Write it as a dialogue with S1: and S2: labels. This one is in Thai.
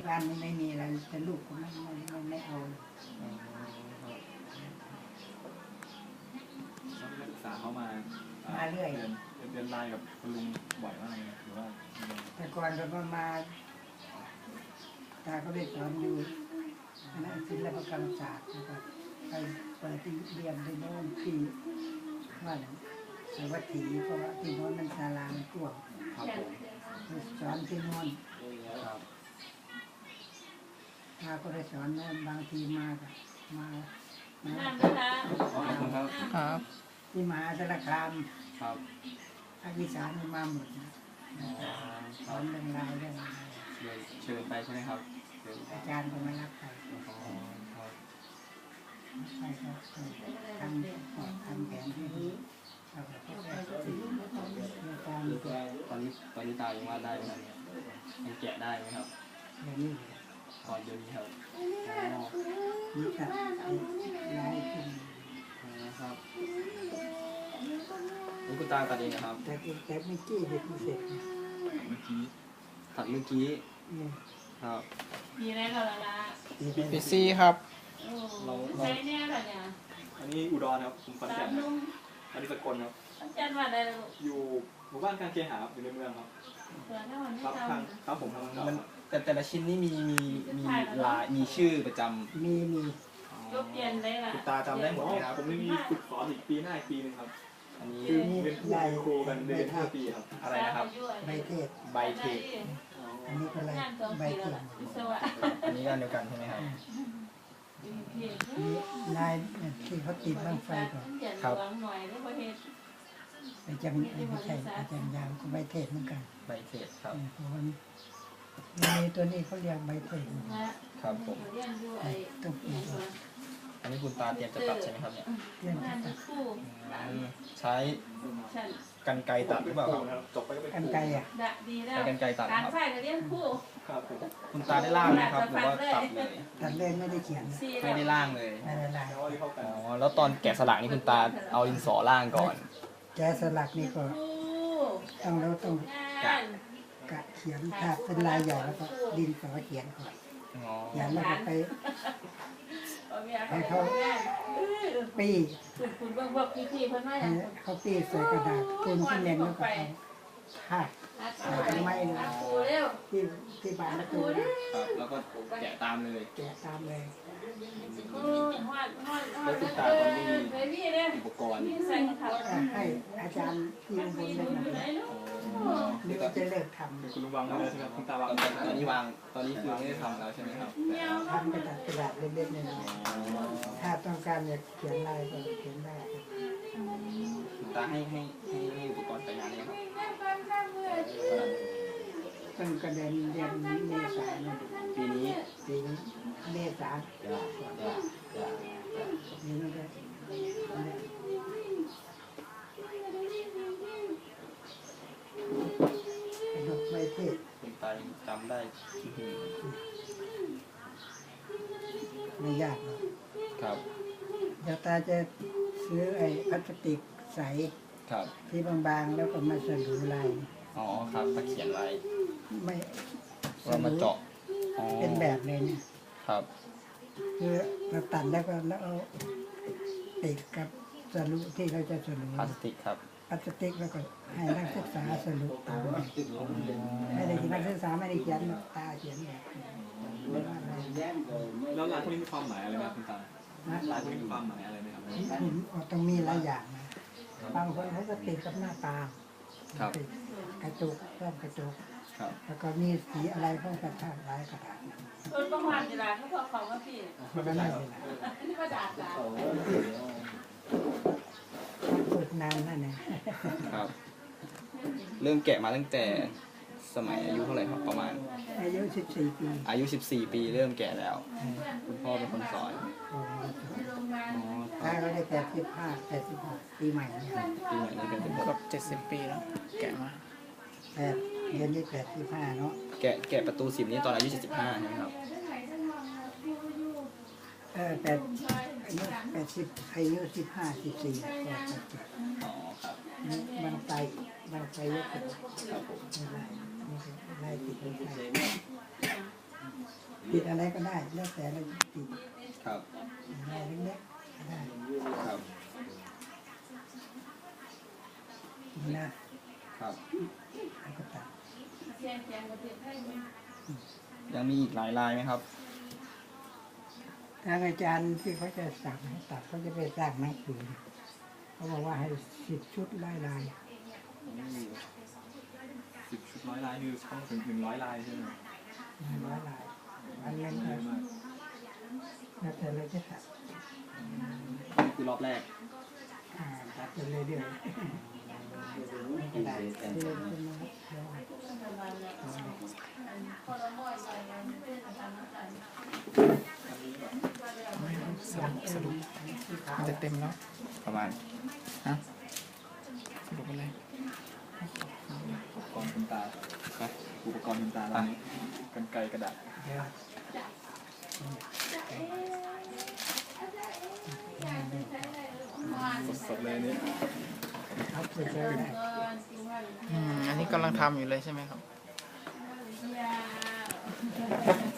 S1: บ้านไม่มีอะไรแต่ลูกก็ไม่เอา
S2: นักศึกษาเขามา
S1: เรื่อย
S2: เรียนไลน์กับคุณลุงบ่อยมากหรือว่า
S1: แต่ก่อนก็มาตาก็ได้สอนอยู่คณะศิลปกรรมศาสตร์นะครับไปเปิดที่เรียนที่โน่นที่ว่าสวัสดีเพราะว่าที่โน่นมันศาลามันกว้างสอนที่โน่นตาก็ได้สอนนะบางทีมา
S3: ครับ
S1: ที่มหาสารคาม
S2: ครับ
S1: ภาคอีสานมาหมดนะสอนเรื่องราวเรื่อง
S2: เชิญไปใช่ไหมครับ
S1: อาจารย์ก็มารับไปไปก็ทำแผนที่ดี
S2: ตอนนี้ตายังวาดได้ไหมครับยังแกะได้ไหมครับ
S1: อย่างนี้
S2: ตอนเดี๋ยวนี้ครับ
S1: นี่ตัดลายขึ้น
S2: นะครับนี่คุณตาตัดเองนะครับ
S1: แต่เมื่อกี้เด็กพิเศษ
S2: ตัดเมื่อกี้ครับ
S4: ปีแรกเราละ
S3: ปีซี่ครับ
S4: ใช้แน่ละเนี่ย
S2: อันนี้อุดรครับผมขอนแก่นอันนี้สกลครับ
S4: จันวัดอะไรลูก
S2: อยู่หมู่บ้านการเคหะอยู่ในเมืองครับครับผม
S3: มันแต่ละชิ้นนี่มีลายมีชื่อประจำ
S1: มี
S4: ก็เปลี่ยนได้ละ
S2: คุณตาจำได้หมดครับผมมีฝึกสอนอีกปีหน้าอีกปีนึงครับ
S3: อันนี้
S2: เป็นครูกันเรียน5 ปีครับ
S3: อะไรนะครับ
S1: ใบเทศอันนี้ก็อะไรใบเทศ
S3: อันนี้กันเดียวกันใช่ไหมครับ
S1: ลายที่เขาติดบ้างไฟก่อน
S3: ครับ
S1: ไม่ใช่อาจารย์ยาวก็ใบเทศเหมือนกัน
S3: ใบเทศครับ
S1: เพราะว่ามีตัวนี้เขาเรียกใบเทศ
S3: ครับผม
S1: ต้องปี
S3: อันนี้คุณตาเตรียมจะตัดใช่ไหมครับเนี่ยใช้กรรไกรตัดหรือเปล่าครับ
S1: กรรไกร
S3: ใช้กรรไกรตัดครับคุณตาได้ล่างไหมครับหรือว่าตัดเลย
S1: ไม่ได้เขียน
S3: ไม่ได้ล่างเลย
S1: ไม่ได้ล่าง
S3: อ๋อแล้วตอนแกะสลักนี่คุณตาเอาดินสอล่างก่อน
S1: แกะสลักนี่ก็ต้องกะเขียนถ้าเป็นลายใหญ่แล้วก็ดินสอเขียนก่อนอย่างนั้นก็ไปให้เขาปี้เขาปี้ใส่กระดาษปูนที่เน้นแล้วก็ทาไม้ที่บานประตู
S3: แล้วก็แกะตามเลย
S1: แล้ว
S3: คุณตาตอนนี้มีอุปกรณ์
S1: ให้อาจารย์ที่บนเล่นนี่ก็จะเลิกทำ
S2: คุณลุงวางแล้วใช่ไหมคุณตาวาง
S3: ตอนนี้คือไม่ได้ทำแล้วใช่ไหมครับ
S1: ทำกระดาษเล็กๆเนี่ยถ้าต้องการจะเขียนลายก็เขียนได้
S3: คุณตาให้อุปกรณ์ไปงานนี้ครับ
S1: ตั้งกระเด็นเดือนเมษายน
S3: ปีนี้
S1: เมษายนนี่ก็ดอกไม้เทศ
S3: คุณตาจำได้
S1: ไม่ยากหรอก
S3: ครับ
S1: เดี๋ยวตาจะซื้อไอ้พลาสติกใสที่บางๆแล้วก็มาสลูลาย
S3: อ๋อครับมาเขียนไว้
S1: ไม่
S3: เรามาเจาะ
S1: เป็นแบบเลยเนี่ย
S3: ครับ
S1: คือเราตัดแล้วก็แล้วเอาติดกับสลูที่เราจะสลู
S3: พลาสติกครับ
S1: พลาสติกแล้วก็ให้นักศึกษาสลูตามให้ได้นักศึกษาไม่ได้เขียนตาเขียนแบบ
S2: แล้วลายพวกนี้มีความหมายอะไรไหมคุณตาลายพวกนี้มีความหมายอะไรไหมครับ
S1: ต้องมีหลายอย่างนะบางคนเขาจะติดกับหน้าตาติดกระจกเพิ่มกระจกแล้วก็มีสีอะไรเพิ่มกระถางลายกระถาง
S4: ต้นประมาณเวลาเขาบอกว่าพี่
S1: มันไม่เป็นไร
S4: นี่ก็ด่า
S1: ฝึกนานนั่นเอง
S3: ครับเริ่มแกะมาตั้งแต่สมัยอายุเท่าไหร่ครับประมาณ
S1: อายุ14 ปี
S3: อายุ14 ปีเริ่มแกะแล้วคุณพ่อเป็นคนสอน
S1: ถ้าเราได้85ปีใหม่เนี่ย
S3: ปีใหม่นี้เป็นครบ70 ปีแล้วแกะมา
S1: เดือนนี้85เนาะ
S3: แกะประตู10นี้ตอนอายุ75ใช่ไหมครับ
S1: อายุ15 14
S3: อ๋อครับ
S1: มันไปเยอะครับผมไม่ได้ติดไม่ได้ติดอะไรก็ได้แล้วแต่เราจะติด
S3: ครับ
S1: อะไรเล็กๆก็ได้
S3: ครับ
S1: นะครับแล้วก็ตัด
S4: เสียงเสียงประเทศไทยมัน
S3: ยังมีอีกหลายลายไหมครับ
S1: ทางอาจารย์ที่เขาจะสั่งให้ตัดเขาจะไปสร้างหนังสือเขาบอกว่าให้10 ชุดลาย
S5: 10 ชุด100 ลายคือต้องถึง100 ลายใช่ไหม
S1: 100 ลายอันนี้
S5: เยอะมาก
S1: แล้วแต่เราจะตัด
S3: นี่คือรอบแรก
S1: ตัดไปเรื่อยๆไม่ได้เรื่อยๆเดี๋ยว
S4: ประมาณนั้นพอเราบ่อยไปมันเป็นอาการนั้น
S6: สรุปมันจะเต็มแล้ว
S3: ประมาณ
S6: สรุปอะไร
S5: อุปกรณ์คุณตาอุปกรณ์คุณตาตอนนี้กรรไกรกระดาษ
S1: เดี๋ยว
S5: สดๆเลยนี่
S1: เอาไปใช้ได้
S6: อันนี้กำลังทำอยู่เลยใช่ไหมครับ
S4: ยา